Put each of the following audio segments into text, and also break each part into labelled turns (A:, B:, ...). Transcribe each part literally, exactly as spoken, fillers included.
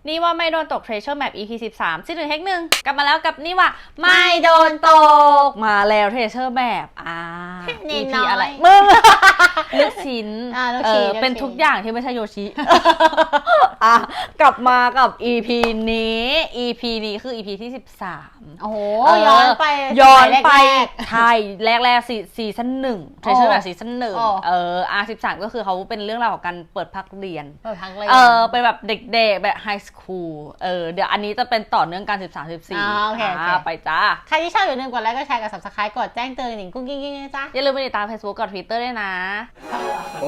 A: นี่ว่าไม่โดนตก Treasure Map อี พี สิบสามซีซั่นหนึ่งเฮกหนึ่งกลับมาแล้วกับนี่ว่าไม่โดนตกมาแล้ว Treasure Map อ่า
B: นิ
A: อี
B: ด
A: พี
B: น้อย
A: อะไรมึงลูกชิ้น
B: อ่าลูก
A: เอ
B: ชิ้น
A: อ
B: ลูกชิ้น
A: เป็นทุกอย่างที่ไม่ใช่โยชิ อ่ะกลับมากับ อี พี นี้ อี พี นี้คือ อี พี ที่สิบสาม
B: โอ้โห
A: เออ
B: ย้อนไป
A: ย้อนไป
B: สมัยแรก
A: ใช่แรกๆซีซีซั่นหนึ่งเทรเชอร์แบบซีซั่นหนึ่ง
B: อ๋อ
A: เอออาร์สิบสามก็คือเขาเป็นเรื่องราวของการเปิดภาคเรียน
B: เปิดพักเลย
A: เออเป็นแบบเด็กๆแบบไฮสคูลเออเดี๋ยวอันนี้จะเป็นต่อเนื่องการสิบสามสิบสี่
B: อ๋อโอเคโอเค
A: ไปจ้า
B: ใครที่ชอบอย่าลืมกดไลค์กดแชร์กด ซับสไครบ์ กดแจ้งเตือนหนิงกุ้งกิ้งกิ้งนะจ๊ะ
A: อย่าลืมไปติดตาม Facebook กับ Twitter ด้วยนะ
C: 오.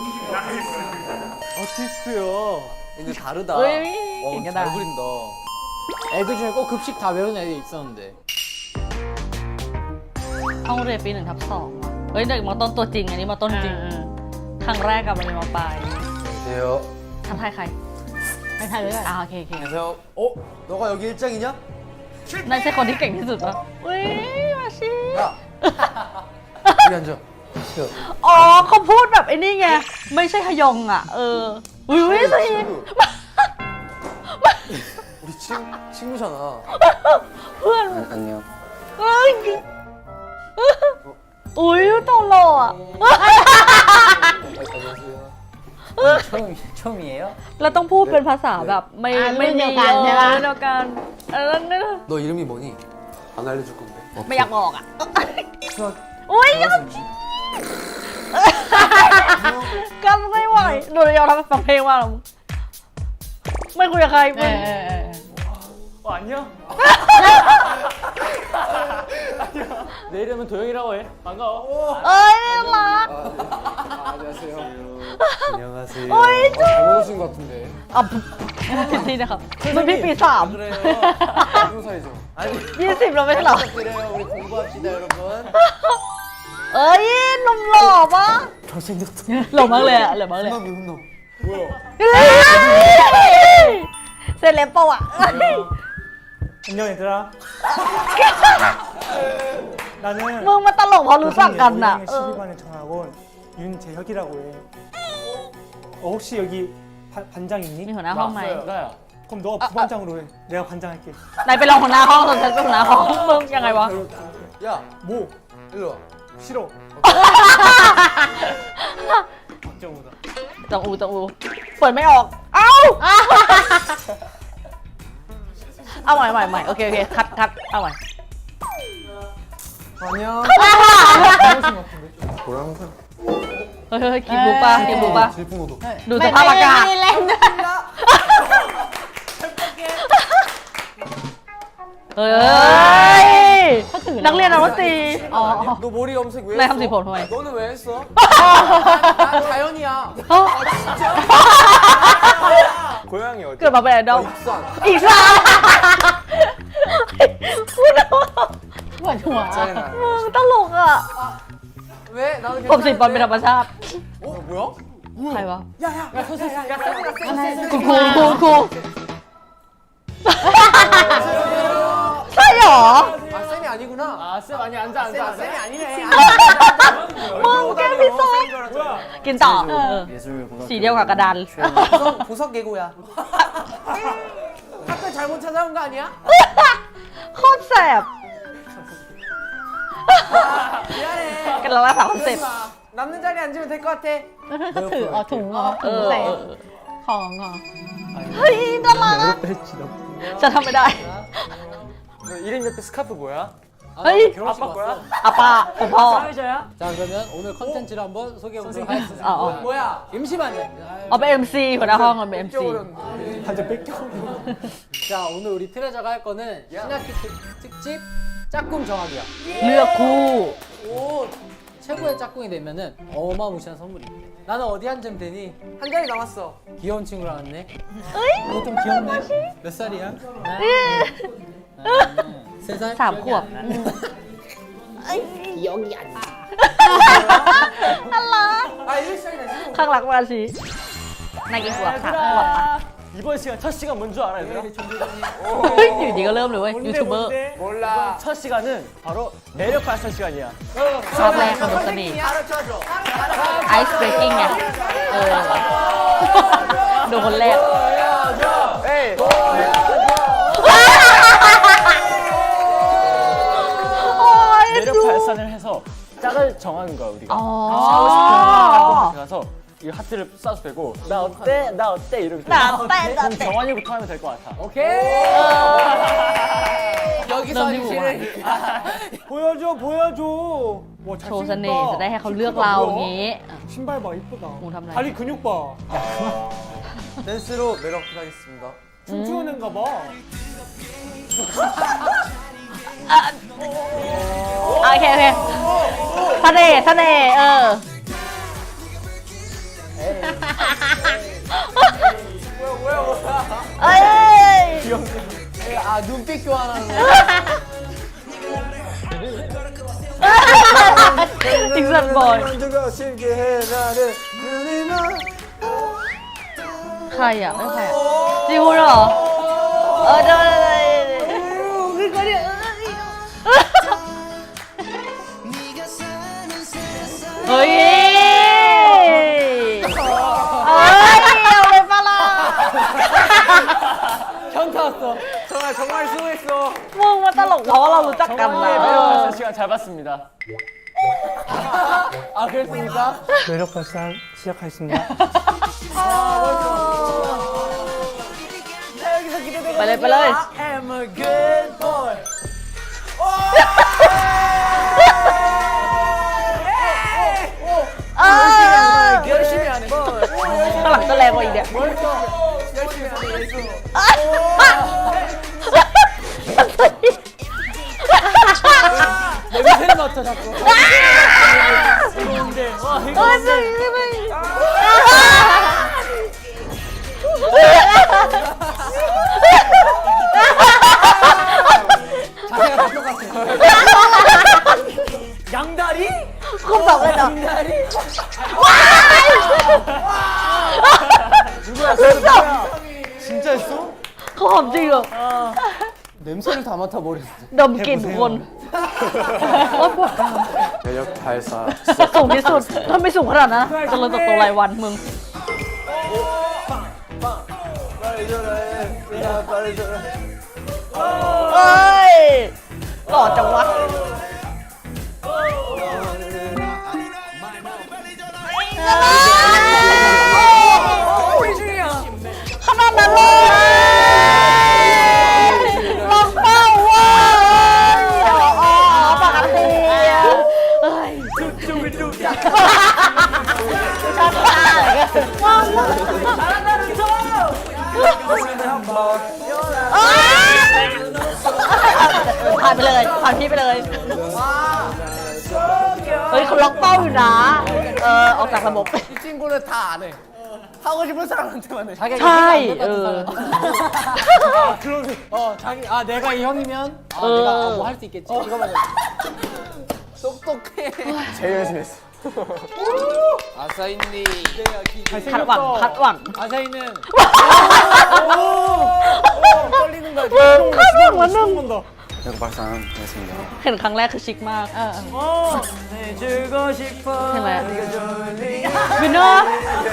C: 아티스트요. 근데 다르다.
A: 으이,
C: 어,
A: 이게
C: 잘
A: 나.
C: 그린다. 애들 중에 꼭 급식 다 외우는 애들 있었는데.
A: ห้องเรียนปีหนึ่งทับสองว่ะเฮ้ยเด็กมอต้นตัวจริงอันนี้มอต้นจริงครั้งแรกกับมันเป็นมอปลาย
C: 안녕하세요.
A: ทำไทยใคร
B: ไปถ่ายด้วยกัน
A: อ่าโอเคโอเค
C: 안녕하세요. 어? 너가 여기 일장이냐?
A: นั่นใช่คนที่เก่งที่สุดปะอุ้ยมาชิ
C: 야. 여기 앉아. 야.
A: อ๋อเขาพูดแบบไอ้นี่ไง ไม่ใช่ฮยองอ่ะ เอออุ้ยอุ้ยสิ
C: 친구. 우리 친 친구잖아.
A: เพื่อน
C: 안녕.
A: เอ้ยอุ้ยตลอดอ่ะ
C: 안녕하세요. 처음 처음이에요?
A: เราต้องพูดเป็นภาษาแบบไม่
B: อ่า
A: ไม่
B: รุ่นเดียวกันใช่ปะ
A: รุ่นเดียวกันเออนั่น
C: 너 이름이 뭐니? 안 알려줄 건데.
A: ไม่อยากบอกอ่ะ
C: 수학
A: อุ้ย
C: 잘하는지.
A: กันไม่ไหวโดนยอมทำฟังเพลงว่าหรอไม่คุยกับใคร
B: เอ
A: มึง
B: อเออเออ
D: 어, 안녕. 내 이름은 도영이라고 해. 반가워.
A: เอ้ยน่ารัก
C: 아, 안녕하세요. 안녕하세요.
A: 어이,
C: 어, 잘못 오신 것 같은데.
A: อ่ะผิดที่นะครับมันพี่ปีสาม
C: 그래요. 무슨 사이죠? 아니.
A: ยี่สิบเราไม่ใช่เหรอ
C: 부탁드려요. 우리 공부합시다, 여러분.
A: เอ้ยหนุ่มหล่อปะ
C: 잘생겼다.
A: หล่อมากเลยอะหล่อมากเลย
C: 훈남이 훈남. 뭐야?
A: เซเลบปะวะ
D: 안녕 얘들아. 나는
A: มึงมาตลกเพราะรู้จักกันน่ะ
D: 고등학교
A: เออ
D: 십이 반의 정학원 윤재혁이라고 해. 어, 혹시 여기 바, 반장
A: มี
D: 있니?
A: หัวหน้าห้องไหม
C: 나야.
D: 그럼 너가 부반장으로 해. 내가 반장할게.
A: นายไปลองหัวหน้าห้องตอนฉันเป็นหัวหน้าห้องมึงยังไงวะ
C: 야,
D: 뭐?
C: 일로 와.
D: 싫어. 박정우다.
A: จังอูจังอูเปิดไม่ออก เอ้า เอาใหม่ใหม่ใหม่โอเคโอเคคัดคัดเอาใหม่
C: 안녕. 뭐라는 거야?
A: เฮ้ยเฮ้ยกินบูป่ะกินบูป่ะ
C: 질풍노도.
A: ดูสภาพอากาศ
B: ไม่ได้เล่นด้วย
A: เฮ้ย
B: เขาถือ
A: นักเรียนนักดนตรี
B: อ๋อ
C: 너 머리 염색 왜
A: 나
C: 했어?
A: 염색 본 후에.
C: 너는 왜 했어? 난 다현이야.
A: เอ้า
C: 고향이 어디?
A: เกิดมาเป็นไอดอล
C: 익산.
A: อีกแล้วพูดแล้ว
B: ปวดหัว
C: 짜증나.
A: มึงตลกอ่ะ
C: 왜? 나는
A: ผมสีบอลเป็นธรรมชาติ
C: 어, 뭐야?
A: ใครวะ
C: 야야. 야, 선생님. 야, 쌤이다,
A: ครูครูครูครูใช่เหรอ
C: 아, 쌤이 아니구나.
D: 아, 쌤 아니 앉아 앉아.
C: 쌤,
D: 앉아.
C: 쌤이 아니네.
A: มึงแกพิซซ่า
D: 뭐야?
A: กินต่อเออสีเดียวกับกระดาน
C: 보석, 보석 개구야. 학교 잘못 찾아온 거 아니야?
A: โคตรแสบ
C: 미안해.
A: กันแล้วรักษาคอนเซ็ปต์
C: 남는 자리에 앉으면 될 것 같아.
B: เขาถืออ๋อถุงเหรอ
A: เอ
B: ถุง
A: อ
B: ใส่
A: เออ
B: ของเหรอ
A: เฮ้ยน่ารักอะจะทำไม่ได้
D: 너 이름 옆에 스카프 뭐야?
A: 헐.
D: 아빠 거야?
A: อาป้าผมพ่อ
D: 사회자야?
E: 자 그러면 오늘 컨텐츠를 한번 소개해 보도록 하겠습니다.
A: อ๋อ
C: 뭐야?
E: 임시 반장입니다.
A: เอาเป็น เอ็ม ซี หัวหน้าห้องเอาเป็น เอ็ม ซี
D: 반장 뺏겨.
E: 자 오늘 우리 트레저가 할 거는 신학기 특- 특집 짝꿍 정하기야.
A: เลือกคู่
E: 오 최고의 짝꿍이 되면은 어마무시한 선물이 있대. 나는 어디 앉으면 되니?
C: 한 자리 남았어.
E: 귀여운 친구랑 왔네.
A: เอ้ย
E: 너 좀 귀엽네. 몇 살이야? 나는 세 살.
A: สามขวบ
E: 여기 앉아.
A: น่ารัก
C: 아, 일일 시간이다. 지금.
A: ข้างหลังมาชีนายกี่ขวบสามขวบปะ
D: 이번 시간 첫 시간 뭔 줄 알아 얘들아?
A: เฮ้ยอยู่ดีก็เริ่มเลยเว้ยยูทูบเบอร์
C: 몰라.
D: 첫 시간은 바로 매력 발산 시간이야.
A: ชอบแรกของดนตรี
C: 가르쳐줘.
A: ไอซ์เบรกกิ้งไงเออดูคนแรก
C: 보여줘. 에 오케이. 매력 발산을 해서 짝을 정하는 거야 우리가. 하고 싶은 짝한테 가서 이 하트를 쏴도 되고 나 어때? 나 어때? 이러면
A: 나 어때? 나
C: 그럼
A: 어때?
C: 정환이부터 하면 될 것 같아.
E: 오케이. 여기서 실을
D: 보여줘 보여줘. 와
A: โชว์เสน่ห์จะได้ให้เขาเลือกเราอย่างงี้
D: 신발 봐 이쁘다.
A: 오, 담라이.
D: 다리 근육 봐.
C: 댄스로 매력 어필하겠습니다.
D: 춤추는 애인가 봐.
A: โอเคโอเคเสน่ห์เสน่ห์เออ เอ้ย
E: 아 눈빛 교환하는 거.
A: อีกสันบอย
C: 누가 쉽게 해 나를 눈이만
A: ใครอ่ะไม่ใครอ่ะจิวเหรอเออเดี๋ยวคือคนเดียวเฮ้ยเอ้ยเอาเลยปะล่ะ
E: 현타 왔어.
C: 정말 정말 수고했어.
A: มึงมาตลกเพราะว่าเรารู้จักกันนะ
C: 정환이의 매력 발산 시간 잘 봤습니다.
E: 아 그랬습니까?
D: 매력 발산 시작하겠습니다.
A: ไปเลยไปเลย
C: I'm a good boy.
A: เออ
C: 열심히 하는 거.
A: ข้างหลังก็แรงกว่าอีกเนี่ย
C: 열심히 하는 예수.
E: 냄새를 맡아 자꾸.
A: เออจริงจริง
E: 자세가 다 똑같아.
C: 양다리?
A: คุณบอกเลยเหรอ
C: 양다리? 진짜 했어?
A: เขาหอมจริงเหรอ
E: 냄새를 다 맡아 버렸어.
A: ดมกลิ่นทุกคนโอ๊ยปวด
C: 매력 발산.
A: สูงที่สุดถ้าไม่สูงขนาดนั้นนะเจะเลยเติบโตรายวันมึง
C: 빨리 전화해. 야, 빨리 전화해.
A: เอ้ยหล่อจังวะขนาดนั้นเลยลองเป้าเว้ยอ๋อปกติเอ้ยชัดมากว้าวผ่านไปเลยผ่านพี่ไปเลย เฮ้ยเขาล็อกเป้าอยู่นะ เออออกจากระบบ
E: 이 친구는 다 안 해. 하고 싶은 사람한테만 해. 자기가
A: 차
E: 이렇게
A: 이
E: 안 똑같은
A: 어.
E: 사람. 어 자기 아 내가 이 형이면 아
A: 어.
E: 내가 뭐 할 수 있겠지. 이거만 해. 똑똑해.
C: 제일 열심히 했어.
E: 아사인니.
A: คาดหวังคาดหวัง
E: 아사이는
C: 떨리는 거야.
A: คาดหวังวันหนึ่ง
C: 매력 발산 하겠습니다.
A: เห็นครั้งแรกคือชิคมาก
C: 해주고 싶어.
A: ใช่ไหม
C: 네가 좋으니.
A: วินเนอร์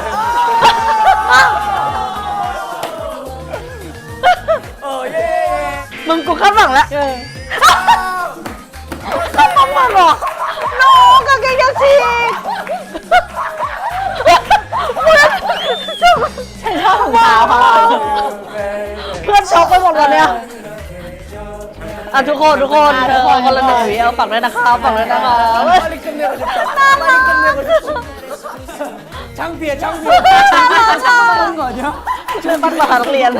A: มึงกูคาดหวังแล้วคาดหวังมาหรอน้องกางเกงยักษ์ฉีกฉันชอบของเท้าเขาเพื่อนช็อกไปหมดแล้วเนี่ยอ่ะทุกคนทุกคนทุกคนคนละหนึ่งวิเอาฝั่งด้วยนะคะฝั่งด้วยนะคะ
E: 빨리 끝내고 싶다. 빨리 끝내고 싶어. 창피해 창피해.
A: 하는 거 아니야? ช่วยปั้นมาหานักเรียน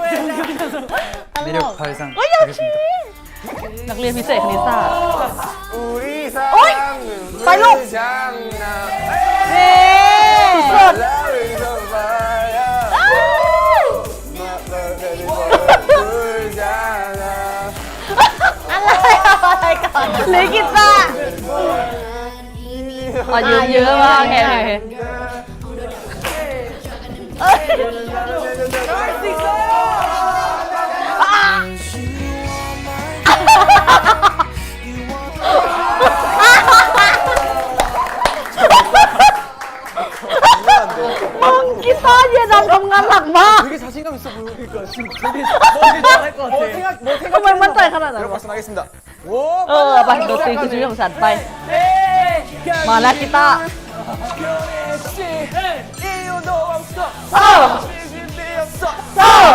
C: 매력 발산
A: เฮ้ยอยากชินักเรียนพิเศษคณิตศาสตร์
C: 우리
A: 어이!
C: 사랑은
A: 빨로!
C: 장난.
A: เย้สุด
C: 나를 접어야. 울잖아.
A: อะไรอะไรก่อนหรือกีตาร์อ๋อเยอะเยอะมากโอเคโอเคเอ้ยมึงกีตาร์เย็นดำทำงานหนักมาก
E: 되게 자신감 있어 보이니까.
C: 지금 되게 되게 잘할 것 같아.
A: ทำไมมั่นใจขนาดนั้น
F: 메로
A: วะ
F: 발산 하겠습니다.
A: เออไปดนตรีคือชีวิตของฉันไป มาแล้วกีตาร์เออเออ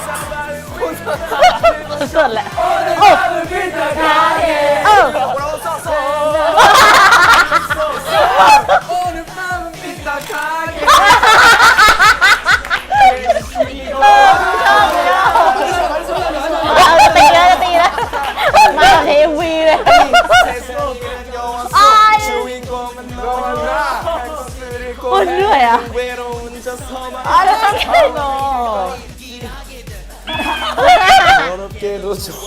A: สุดๆแหละโอ้เออ
F: 뭐라고 썼어? 오늘 밤은 삐딱하게.
B: เอาจะตีแล้วจะตีแล้วมาเทวีเลย
F: 세상이란 영화 속
A: 아이.
F: 주인공은 너라. 칼국수를
A: โอ้ยเหนื่อยอ่ะ
F: 외로운 저 서만.
A: อ่ะแล้วต้องใช่เนาะ
F: 어렵게도 좋아.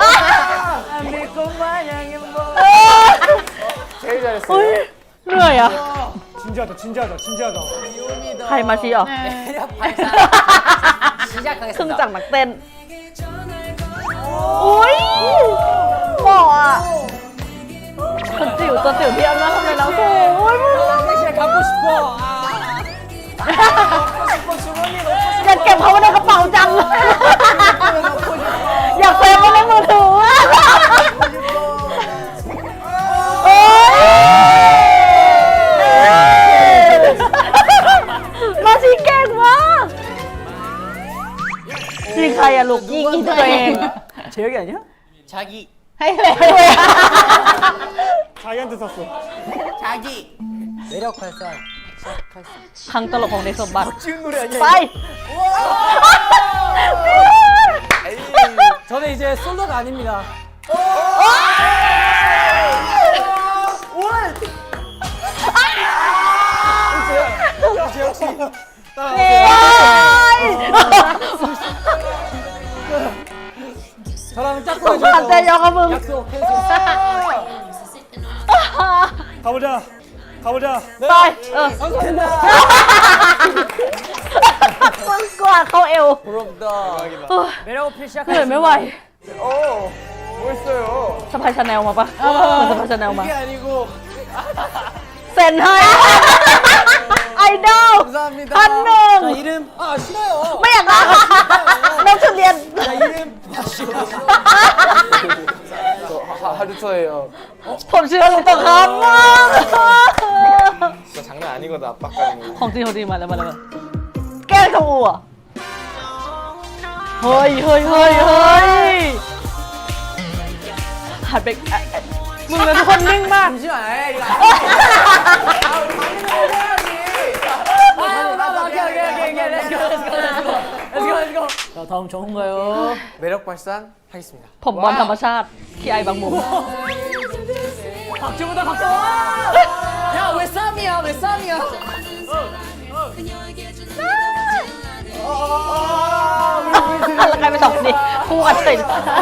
C: 제일 잘했어.
A: เฮ้ยเหนื่อยอ่ะ
D: 진지하다 진지하다 진지하다
A: ใครมาชี้อ่ะ
E: 매력 발산
A: ครึ่ง
E: 시작하겠습니다.
A: จากนักเต้นอุ้ยเหมาะอ่ะคนจิ๋วตัวจิ๋วที่เอามาทำไมเราโอ้ยมึง
E: 섹시를 갖고 싶어. 아.
A: อยากเก็บเขาไว้ในกระเป๋าจัง อยากเซฟไว้ในมือถือโอ้ยมาชีเก่งมากยิงใครอะลูกยิงยิงตัวเอง
C: 제혁이 아니야?
E: 자기
B: ให้เลย
D: 자기한테 샀어
E: 자기 매력 발산 시작하겠습니다.
A: ครั้งตลกของในสมบัติ
C: 지은 노래 아니야?
A: ไป
E: 저는 이제 솔로가 아닙니다. 저랑
A: ส
E: 짝꿍
A: งสารใจยองกับมึง
E: 약속 캔슬.
D: 가보자 가보자
A: ไปเออมึงกวาดเข้าเอว
C: 부럽다.
A: เฮ้ย
E: 매력 어필
A: เหนื่อยไม่ไหว
C: 오, 멋있어요.
A: สะพายชาแนลมาปะเหมือนสะพายชาแนลมา
F: 이게 아니고
A: เซ็นให้ไอดอล
F: 감사합니다.
A: พันหนึ่ง
E: 자, 이름 아 싫어요.
A: ไม่อยากได้น้องชุดเรียน
E: 자, 이름
C: 저 하- 하루토예요.
A: ผมเชื่อลุงตะครับมาก
F: 진짜 장난 아니거든 압박 가는 거.
A: ของจริงของจริงมาแล้วมาแล้วมาแกล้งขมูอ่ะเฮ้ยเฮ้ยเฮ้ยเฮ้ยหันไปอ่ะอ่ะมึงเลยทุกคนนิ่งมาก
E: 잠시만. 에이, 이거 아, 오케이, 오케이, 오케이, 오케이. Let's go, let's go, let's go. Let's go, let's go. 자, 다음 정은가요?
F: 매력 발산 하겠습니다.
A: ผมบอลธรรมชาติขี้ไอบางมุม
E: 박주보다 박정원! 야, 왜 쌈이야? 왜 쌈이야?
A: แล้วกลายเป็นสองคนนี้คู่กันเฉย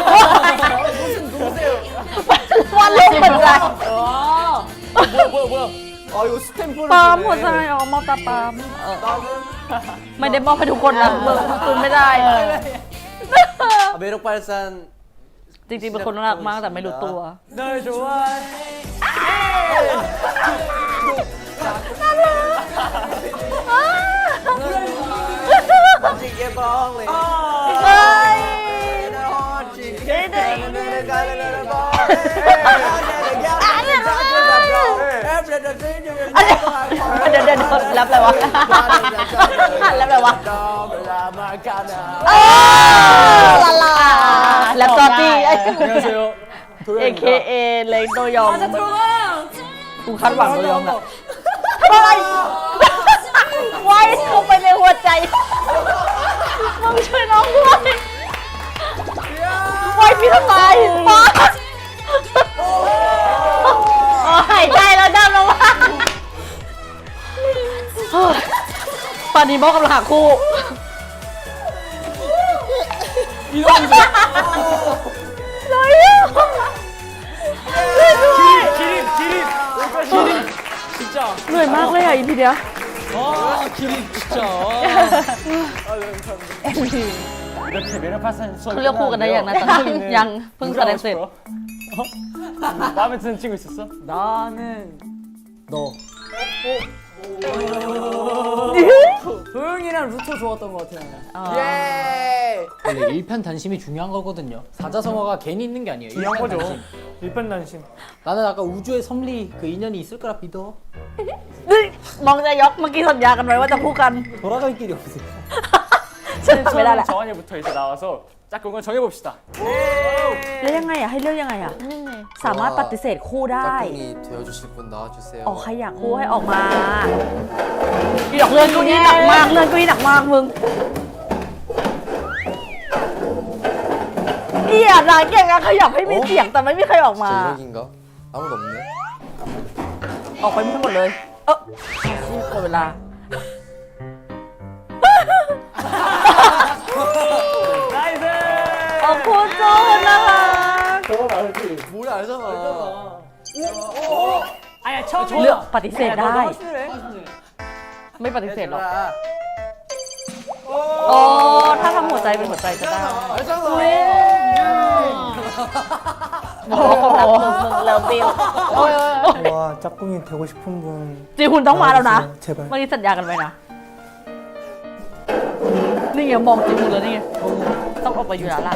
A: วันลงเหมือนกัน
C: 뭐야, 뭐야, 뭐야. 아, 이거 스탬프를
A: ปั๊มหัว
C: 주네.
A: ใจอ๋อมอบตาปั๊มเออไม่ได้มอบให้ทุกคนนะมึงคุณไม่ได้
F: 아, 매력 발산
A: จริงๆเป็นคนน่ารักมากแต่ไม่รู้ตัว
E: 널 좋아해.
F: 이게 벌레.
A: เฮ้ย อันเดี๋ยวเดี๋ยวรับอะไรวะรับอะไรวะเออลาลาแล้วก็ตี้
C: 안녕하세요.
A: เอ เค
C: 도현입니다.
A: เอเลยโดยอง กูคาดหวังโดยองอะ
E: 아,
A: ทำอะไรไว้เข้าไปในหัวใจมึงช่วยน้องด้วยไว้พี่ทำไมฟ้าหายใจแล้วดันลงมาปานีบอกกำลังหาคู่ เลยอ่ะช่วยด้วย
C: 기린, 기린. 여기까지 기린. 진짜.
A: เหนื่อยมากเลยอ่ะอีพีเนี้ย
C: 아, 기린 진짜. 이렇게 매력 발산 수업
A: เขาเลือกคู่กันได้ยังนะตอนนี้ยังเพิ่งแสดงเสร็จ
C: 마음에 드는 친구 있었어?
E: 나는 너.
A: 네?
E: 도영이랑 루토 좋았던 것 같아요.
F: 예.
E: 원래 일편단심이 중요한 거거든요. 사자성어가 괜히 있는 게 아니에요.
D: 중요한 거죠.
E: 일편단심.
D: 일편단심.
E: 나는 아까 우주의 섭리 그 인연이 있을 거라 믿어.
A: มองจะยกเมื่อกี้สัญญากันไว้ว่าจะพูดกัน
E: 돌아갈 길이 없으니까.
A: ฉันทำไม่ได้แหละ
C: 정한이부터 이제 나와서 짝꿍을 정해봅시다.
A: แล้วยังไงอ่ะให้เลือกยังไงอ่ะสามารถปฏิเสธคู่ได้
F: 짝꿍이 되어주실 분 나와주세요.
A: ออกใครอยากคู่ให้ออกมาอีดอกเลื่อนเกูนี่หนักมากเลื่อนเกูนี่หนักมากมึงเอียดนายเก่งอะขยับให้มีเสียงแต่ไม่มีใครออกมา
F: 제 이력인가? 아무도 없네.
A: ออกไปไม่ทั้งหมดเลย เออหมดเวลา
C: 나이스!
A: ขอบคุณจูนนะคะ
F: 뭘 알잖아.
E: 아야 처음에
A: เลือกปฏิเสธได้ ไม่ปฏิเสธหรอกโอ้ถ้าทำหัวใจเป็นหัวใจจะได้
F: 알잖아.
A: โอ้โหเลิฟบิว
D: 와 짝꿍이 되고 싶은 분
A: จีคุณต้องมาแล้วนะ
D: 제발.
A: เมื่อกี้สัญญากันไว้นะ นี่ไงมองจีคุณแล้วนี่ไงต้องออกไปอยู่แล้วล่ะ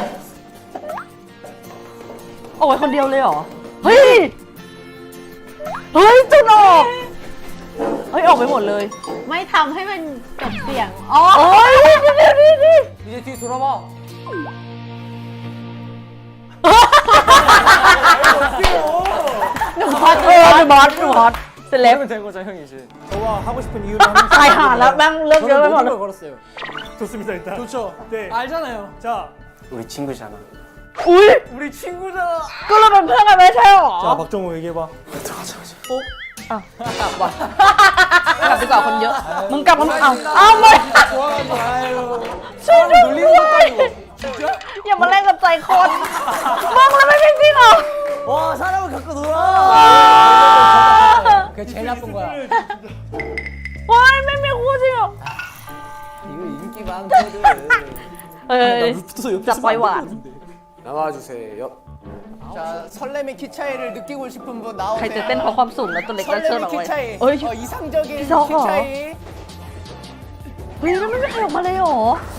A: ออกไปคนเดียวเลยเหรอ เฮ้ย เฮ้ยจุนออก เฮ้ยออกไปหมดเลย
B: ไม่ทำให้มันจบเสียง อ๋อ
A: โอ้ยเดี๋ยวเดี๋ยวเดี๋ยว
E: 이제 뒤 돌아봐.
A: หนูฮอตเออหนูบอสหนูฮอตเซเลบ
C: 하면 된 거죠, 형이 이제.
D: 저와 하고 싶은 이유를 하는
A: ตายห่าแล้วแม่งเลิกเยอะไปหมดเลย
E: 걸 걸었어요.
D: 좋습니다 일단.
E: 좋죠.
D: 네.
E: 알잖아요.
D: 자,
F: 우리 친구잖아.
A: อุ้ย
C: 우리 친구잖아.
A: ก็เราเป็นเพื่อนกันไม่ใช่หรอ
D: 자 박정호 얘기해봐.
A: อ้าวกลับว่ะกลับดีกว่าคนเยอะ มึงกลับมึงเอาเอาไม่ช่วยด้วยอย่ามาเล่นกับใจคนมองแล้วไม่เป็นจริงเหรอ
E: 와 사람을 갖고 놀아. 그게 제일 나쁜 거야.
A: ว้ายไม่มีคู่จริงเหรอ
E: 이거 인기 많거든.
A: เออจับปล่อยหวาน
F: 나와주세요.
G: 자, 설렘의 키 차이를 느끼고 싶은 분
A: ใครจะ
G: 나오세요.
A: เต้นเพราะความสูงแล้วตัวเล็กแล้วเชิญออก
G: 설렘의
A: ไป
G: 키 차이.
A: เฮ้ย
G: 어, 이상적인 키
A: 이상하.
G: 차이.
A: เฮ้ยแล้วไม่มีใครออกมาเลยเหรอ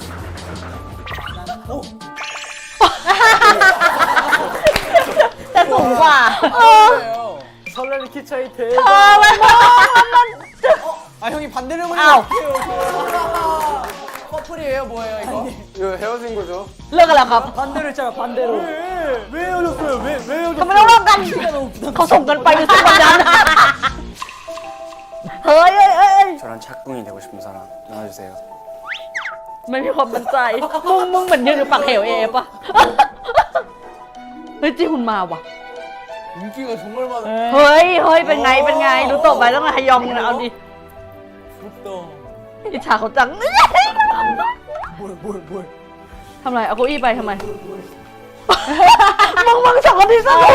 A: แต่สูงกว่าเออ
C: 설레는 키 차이
A: เธ
C: 대박.
A: อมันมองมัน
G: 아, 형이 반대를 보니
A: 아우.
G: 어떡해요. 커플이에요, 뭐예요, 이거?
F: 이거 헤어진 거죠?
A: เลิกกันแล้วครับ
E: 반대로 했잖아 반대로.
D: 왜 헤어졌어요? 왜 왜
A: ทำไม
D: 헤어졌어요?
A: ต้องเลิกกันเขาส่งกันไปหรือส่งกันยันเฮ้ยเอ้ยเอ้ย
F: 저랑 짝꿍이 되고 싶은 사람 나와주세요.
A: ไม่มีความมั่นใจ มึงมึงเหมือนยืนอยู่ปากเหวเอปะเฮ้ยจีหุ่นมาว่ะ
G: 인기가 정말 많아.
A: เฮ้ยเฮ้ยเป็นไงเป็นไงดูตบไปต้องไฮยองนะเอาดิอิจฉาเขาจัง
E: 뭘뭘뭘
A: ทำไรเอาเก้าอี้ไปทำไมมึงมึงสองคนที่สอง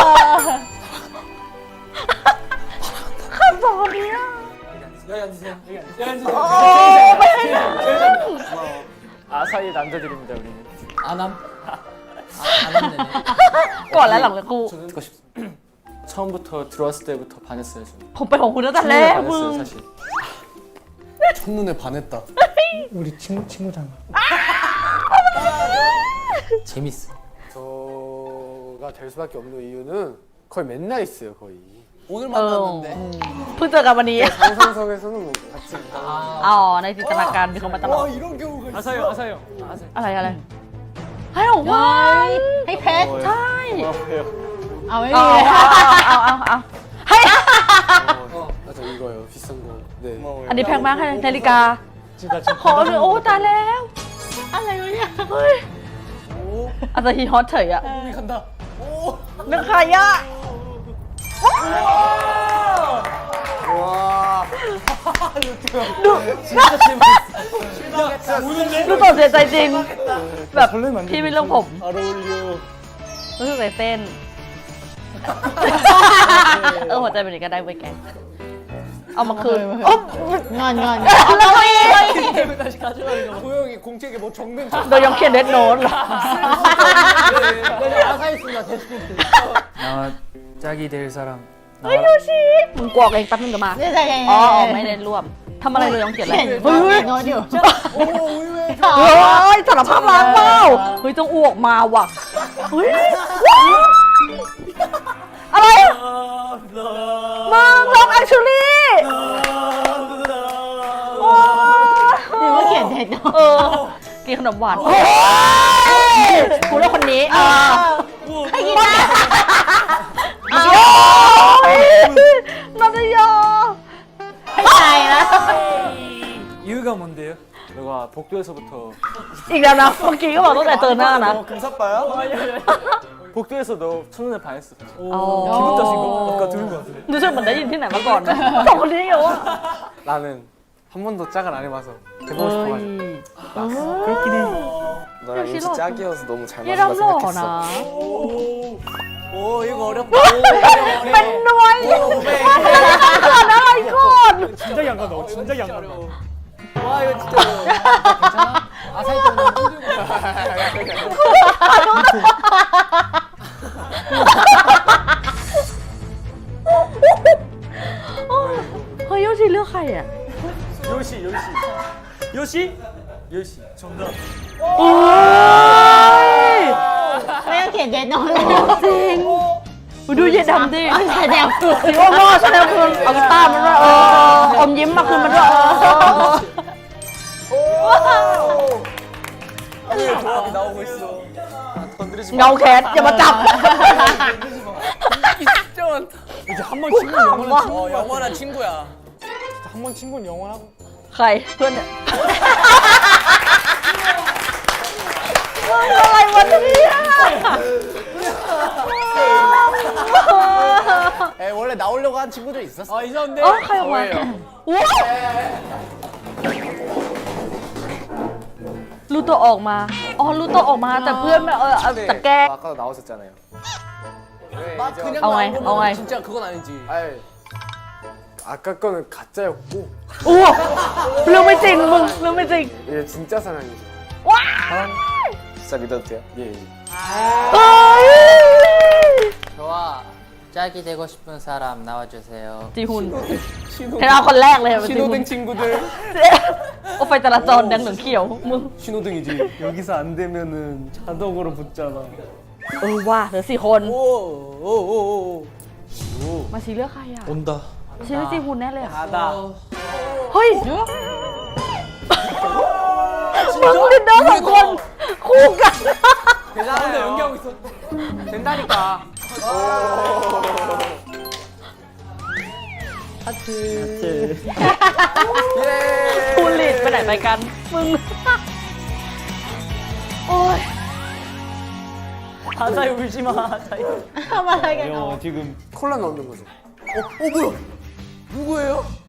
A: ขันสองคนนี้อะ
E: 여기 앉으세요. 여기 앉으세요.
A: โอ้ไม่ให้นั่ง
C: 아사히 남자들입니다, 우리는.
E: 안함. 아, 안함 내네.
A: ก่อนและหลังเลยครู
C: 듣고 싶. 처음부터 들어왔을 때부터 반했어요, 저는.
A: ผมเป็นของคุณตั้งแต่แร
C: 첫눈에
A: กมึง
C: 반했어요, 사실.
F: 첫눈에 반했다.
D: 우리 친구 친구잖아.
E: 재밌어.
F: 저가 될 수밖에 없는 이유는 거의 맨날 있어요, 거의.
G: 오늘
A: เออ
G: 만났는데.
A: เพิ่งเจอกันวันนี้
F: 상상석에서는 뭐 같이.
A: อ๋อในจินตนาการมีคนมาตลอด
G: 와, 이런 경우가 있어.
C: 아사요, 아사요. 아사요.
A: อะไรอะไรให้ของขวัญ
B: ให้เพชร
A: ใช่
C: 고마워요.
B: เอาไม่
A: เอา
B: มี
A: เอาเอาเอาเอาให้
F: 아, 저 이거요, 비싼 거. 네.
A: อันนี้แพงมากให้นาฬิกา
D: 진짜 진짜.
A: ขอเลยโอ้ตายแล้ว
B: อะไรวะเนี่ย
A: เฮ้ยอาจจะฮีฮอตเฉยอะ
G: 이 간다.
A: นึกใครอะ
F: 와.
A: ดูดูตกเสียใจจริง แบบ
D: 설레면 안
A: พี่ไม่
D: 돼.
A: เรื่องผม
D: 잘 어울려.
A: รู้สึกใจเต้น เออหัวใจเป็นอย่างนี้ก็ได้เว้ยแก เอามาคืนโอ๊บ
B: งอนงอน
A: แล้วก็อีก
G: 다시 가져가니까 고영이 공책에 뭐 적는 거.
A: โดยยองเขียนเดดโน้ตเหรอ
E: 여기 아사 있습니다. 대스포트.
H: 나와 짝이 될 사람
A: เฮ้ยโยชิมึงกวอกเองแป๊บนึงเดี๋ยวมา
B: เนี่ยใจเย็น
A: อ๋อไม่ได้ร่วมทำอะไรเลยต้องเขียนอะไร
B: เขียนเฮ้ยโน้ตอยู่
A: เฮ้ยสารภาพรักเปล่าเฮ้ยต้องอ้วกมาว่ะเฮ้ยอะไรมึงลองแอคชูรี่โอ้
B: หรือว่าเขียนเท็จเนาะ
A: เออกินขนมหวานโอ้ยกูเลือกคนนี้อ่า
B: ใครกินนะ
A: โอ้ยนันทยา
B: ไม่ใช่นะ
C: 이유가 뭔데요? 너가 복도에서부터
A: อีกแล้วนะเมื่อกี้ก็บอกตั้งแต่เจอหน้านะ
F: 금사빠야?
C: 복도에서 너 첫눈에 반했어.
A: 어.
C: 기분 탓인 거? 아까 들은 거 같은데.
A: รู้สึกเหมือนได้ยินที่ไหนมาก่อนนะสองคนนี้เหรอ
F: 나는 한 번도 짝을 안 해봐서 해보고 싶어가지고.
D: 그렇긴 해.
F: 너랑
A: 역시
F: 인지
A: 너.
F: 짝이어서 너무 잘
A: ยี่เรา
F: 맞는다
A: หล่อ
F: 생각했어.
A: นะ
G: โอ้ย이거 어렵다
A: เป็นหน่วยเกิดอะไรก่อน
D: 진작에 안 간다. 진작에 안 간다.
G: 와 이거 진짜 괜찮아? 아 살짝 너무
A: เฮ้ยโยชิเลือกใครอ่ะ
C: 요시 요시 요시 요시 정답.
A: โอ้ย
B: ไม่ต้องเขียนเท็จเนาะ
A: จริงดูเย็นดำดิ
B: แสดงตัว
A: สีว่าพ่อแสดงคืนเอากีตาร์มาด้วยเอออมยิ้มมาคืนมาด้วยเออ
G: 조합이 나오고 있어
F: 건드리지
A: เงาแขนอย่ามาจับ
G: 이게 진짜 많다
D: 이제 한 번 친구는 영원한 친구.
G: 어 영원한 친구야
D: 한 번 친구는 영원하고.
A: ใครเพื่อนเนี่ยมึงอะไรวะเนี่ย
G: 에 원래 나오려고 한 친구들 있었어
C: 아 이사인데.
A: เออใครออกมาว้าวรู้ตัวออกมา อ๋อรู้ตัวออกมาแต่เพื่อนไม่เออเอาแต่แกล้ง
F: 아까도 나오셨잖아요.
G: 막 그냥
A: 어,
G: 나온
A: 아이,
G: 거면
A: 어, 아이.
G: 진짜 그건 아니지
F: 아이, 아까 거는 가짜였고
A: โอ้เรื่องไม่จริงมึงเรื่องไม่จริง
F: 이게 진짜 사랑이죠.
A: ว้าย
F: 진짜 믿어도 돼요? 예. 예.
A: เฮ้ย
E: 저와 짝이 되고 싶은 사람 나와주세요.
A: จีฮุนเห็นเอาคนแรกเลยจีฮุน
G: 신호등 친구들
A: โอ้ไฟจราจรแดงเหลืองเขียวมึง
G: 신호등이지
C: 여기서 안 되면은 자동으로 붙잖아.
A: เออว่าเหลือสี่คน
G: 오오오오
A: มาชีเลือกใครอ่ะ
F: 온다.
A: ชีเลือกจีฮุนแน่เลยอ่ะ
C: 나다.
A: เฮ้ยมึงดินเดอร์สองคนคู่กัน
G: 대단한데 연기하고 있어 된다니까 하트
A: ทูลิดไปไหนไปกัน มึง โอ้ย
C: 하자이 울지 마. 하자이.
B: ทำอะไรกัน
C: 어 지금
F: 콜라 넣는 거죠.
G: 어 뭐야 누구예요?